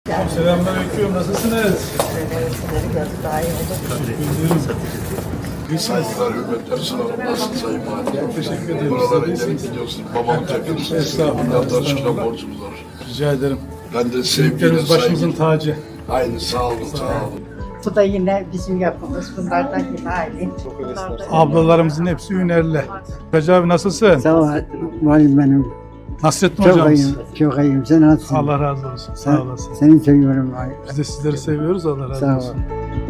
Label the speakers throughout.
Speaker 1: Selamünaleyküm. Nasılsınız?
Speaker 2: Daha iyi olur.
Speaker 3: Saygılar, hürmetler sunarım. Nasılsın Sayın Valim?
Speaker 1: Teşekkür ederim.
Speaker 3: Buralara
Speaker 1: Siz de
Speaker 3: gelip
Speaker 1: iyisiniz.
Speaker 3: gidiyorsun. Babamın yakınısın.
Speaker 1: Estağfurullah,
Speaker 3: Milyarlar çıkan
Speaker 1: estağfurullah.
Speaker 3: borcumuz var.
Speaker 1: Rica ederim.
Speaker 3: Ben de sevgiyle,
Speaker 1: Büyüklerimiz başımızın
Speaker 3: saygıyla.
Speaker 1: tacı.
Speaker 3: Aynı, sağ olun, sağ olun.
Speaker 2: Bu da yine bizim yapımız. Bunlardan yine aynı.
Speaker 1: Ablalarımızın hepsi hünerli. Hacı abi nasılsın?
Speaker 4: Sağ ol valim benim.
Speaker 1: Nasrettin
Speaker 4: Çok
Speaker 1: hocamız.
Speaker 4: iyiyim, çok iyiyim. Sen nasılsın?
Speaker 1: Allah razı olsun. Sağ olasın.
Speaker 4: Seni seviyorum valim.
Speaker 1: Biz de sizleri seviyoruz. Allah razı
Speaker 4: Sağ ol.
Speaker 1: olsun.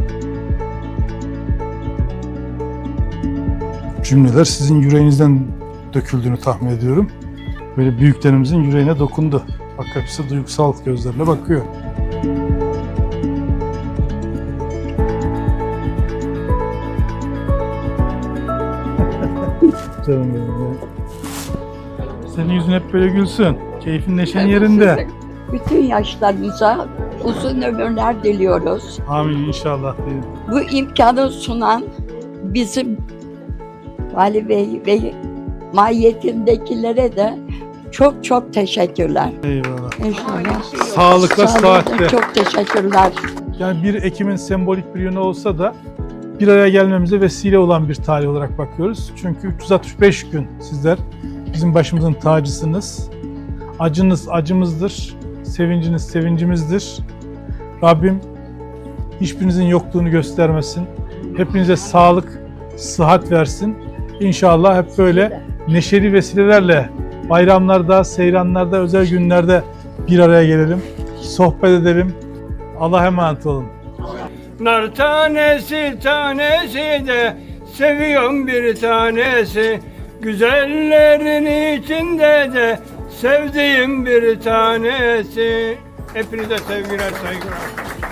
Speaker 1: Cümleler sizin yüreğinizden döküldüğünü tahmin ediyorum. Böyle büyüklerimizin yüreğine dokundu. Bak hepsi duygusal gözlerle bakıyor. Canım benim ya. Senin yüzün hep böyle gülsün. Keyfin neşen yerinde.
Speaker 5: Bütün yaşlarınıza uzun ömürler diliyoruz.
Speaker 1: Amin inşallah diyelim.
Speaker 5: Bu imkanı sunan bizim Vali Bey ve mahiyetindekilere de çok çok teşekkürler.
Speaker 1: Eyvallah.
Speaker 5: İnşallah.
Speaker 1: Sağlıkla, sıhhatle.
Speaker 5: Çok teşekkürler.
Speaker 1: Yani 1 Ekim'in sembolik bir yönü olsa da bir araya gelmemize vesile olan bir tarih olarak bakıyoruz. Çünkü 365 gün sizler bizim başımızın tacısınız. Acınız acımızdır, sevinciniz sevincimizdir. Rabbim hiçbirinizin yokluğunu göstermesin. Hepinize sağlık, sıhhat versin. İnşallah hep böyle neşeli vesilelerle bayramlarda, seyranlarda, özel günlerde bir araya gelelim. Sohbet edelim. Allah'a emanet olun.
Speaker 6: Nar tanesi tanesi de seviyorum bir tanesi. Güzellerin içinde de sevdiğim bir tanesi. Hepinize sevgiler, saygılar.